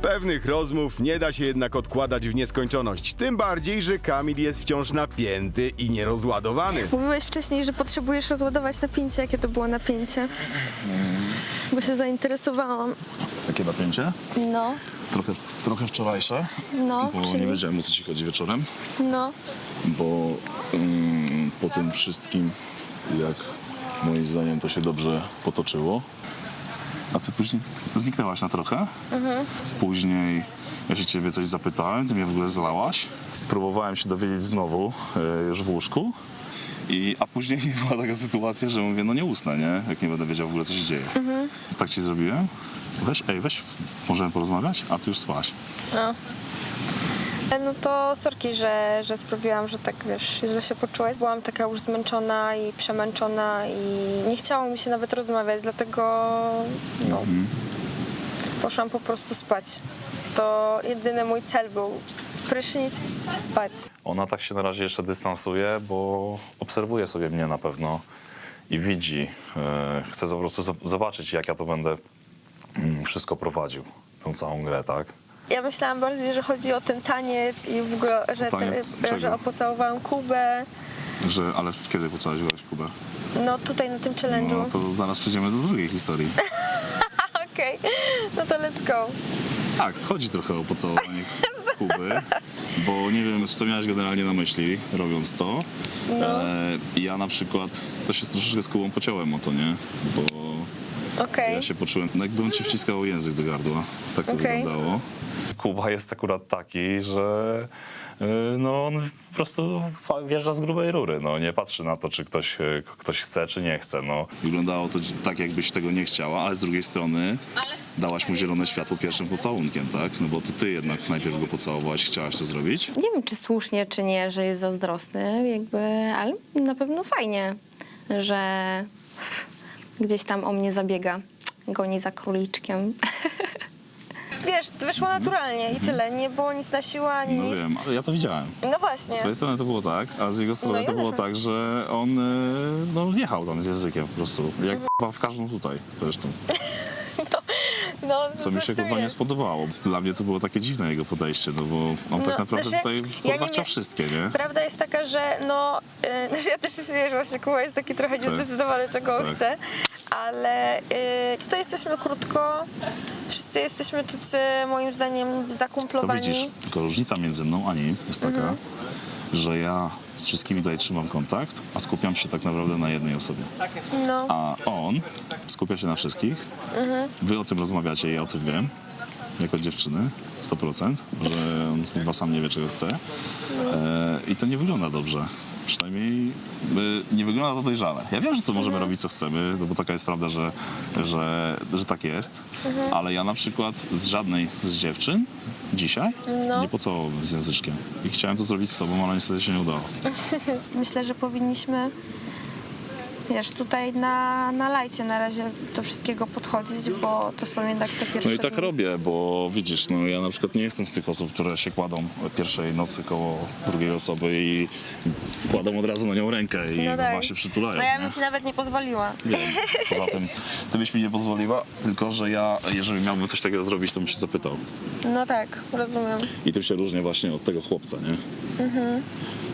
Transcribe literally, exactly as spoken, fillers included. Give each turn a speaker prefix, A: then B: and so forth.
A: Pewnych rozmów nie da się jednak odkładać w nieskończoność. Tym bardziej, że Kamil jest wciąż napięty i nierozładowany.
B: Mówiłeś wcześniej, że potrzebujesz rozładować napięcie. Jakie to było napięcie? Bo się zainteresowałam.
C: Jakie napięcie?
B: No,
C: Trochę, trochę wczorajsze,
B: no,
C: bo
B: czyli...
C: nie wiedziałem, o co ci chodzi wieczorem,
B: No,
C: bo mm, po tym wszystkim, jak moim zdaniem to się dobrze potoczyło, a ty później zniknęłaś na trochę.
B: mhm.
C: Później ja się ciebie coś zapytałem, ty mnie w ogóle zlałaś. Próbowałem się dowiedzieć znowu, e, już w łóżku. I, a później była taka sytuacja, że mówię, no nie usnę, nie? Jak nie będę wiedział w ogóle, co się dzieje.
B: Mhm.
C: Tak ci zrobiłem. Weź, ej, weź, możemy porozmawiać? A ty już spałaś.
B: No. No to sorki, że, że sprawiłam, że tak, wiesz, źle się poczułaś. Byłam taka już zmęczona i przemęczona i nie chciało mi się nawet rozmawiać, dlatego no, poszłam po prostu spać. To jedyny mój cel był prysznic, spać.
C: Ona tak się na razie jeszcze dystansuje, bo obserwuje sobie mnie na pewno i widzi. e, Chce po prostu z- zobaczyć, jak ja to będę mm, wszystko prowadził, tą całą grę, tak?
B: Ja myślałam bardziej, że chodzi o ten taniec i w ogóle, że,
C: Taniec
B: ten,
C: czego?
B: że pocałowałam Kubę.
C: Że, ale kiedy pocałowałaś Kubę?
B: No tutaj na tym challenge'u.
C: No to zaraz przejdziemy do drugiej historii.
B: Okej, no to let's go.
C: Tak, chodzi trochę o pocałowanie Kuby, bo nie wiem, co miałaś generalnie na myśli, robiąc to.
B: No.
C: E, ja na przykład też się troszeczkę z Kubą pociąłem o to, nie? Bo
B: Okej.
C: ja się poczułem, no jakby on ci wciskał język do gardła. Tak to
B: Okej.
C: wyglądało. Kuba jest akurat taki, że y, no on po prostu wjeżdża z grubej rury, no nie patrzy na to, czy ktoś, y, ktoś chce, czy nie chce, no. Wyglądało to tak, jakbyś tego nie chciała, ale z drugiej strony dałaś mu zielone światło pierwszym pocałunkiem, tak? No bo to ty jednak najpierw go pocałowałaś, chciałaś to zrobić.
D: Nie wiem, czy słusznie, czy nie, że jest zazdrosny, jakby, ale na pewno fajnie, że gdzieś tam o mnie zabiega, goni za króliczkiem.
B: Wiesz, wyszło naturalnie i tyle. Nie było nic na siłę, ani
C: No
B: nic.
C: wiem, ale ja to widziałem.
B: No
C: Z
B: właśnie.
C: twojej strony to było tak, a z jego strony
B: No ja
C: to było
B: też.
C: tak, że on y, no, wjechał tam z językiem po prostu. Jak k***a w każdą tutaj zresztą.
B: No,
C: Co mi się
B: zresztą
C: chyba nie
B: jest.
C: spodobało. Dla mnie to było takie dziwne jego podejście, no bo on
B: No,
C: tak naprawdę
B: znaczy,
C: tutaj
B: ja
C: chyba
B: nie
C: chciał
B: mia-
C: wszystkie, nie?
B: Prawda jest taka, że no, yy, znaczy ja też się śmieję, że właśnie Kuba jest taki trochę niezdecydowany, czego on
C: Tak.
B: chce, ale yy, tutaj jesteśmy krótko, wszyscy jesteśmy tacy, moim zdaniem,
C: To
B: zakumplowani.
C: widzisz, tylko różnica między mną a nim jest taka,
B: Mhm.
C: że ja z wszystkimi tutaj trzymam kontakt, a skupiam się tak naprawdę na jednej osobie.
B: No,
C: A on skupia się na wszystkich.
B: Mhm.
C: Wy o tym rozmawiacie, ja o tym wiem. Jako dziewczyny, sto procent, że on chyba sam nie wie, czego chce. E, I to nie wygląda dobrze. Przynajmniej e, nie wygląda to dojrzale. Ja wiem, że to możemy robić, co chcemy, no bo taka jest prawda, że, że, że tak jest. Ale ja na przykład z żadnej z dziewczyn dzisiaj
B: No.
C: nie pocałowałem z języczkiem. I chciałem to zrobić z tobą, ale niestety się nie udało.
B: myślę, że powinniśmy, wiesz, tutaj na, na lajcie na razie do wszystkiego podchodzić, bo to są jednak te pierwsze
C: No i tak
B: dni.
C: robię, bo widzisz, no ja na przykład nie jestem z tych osób, które się kładą pierwszej nocy koło drugiej osoby i kładą od razu na nią rękę i
B: No tak.
C: właśnie przytulają.
B: No ja
C: nie?
B: bym ci nawet nie pozwoliła.
C: Wiem. Poza tym, ty byś mi nie pozwoliła, tylko że ja, jeżeli miałbym coś takiego zrobić, to bym się zapytał.
B: No tak, rozumiem.
C: I tym się różnię właśnie od tego chłopca, nie?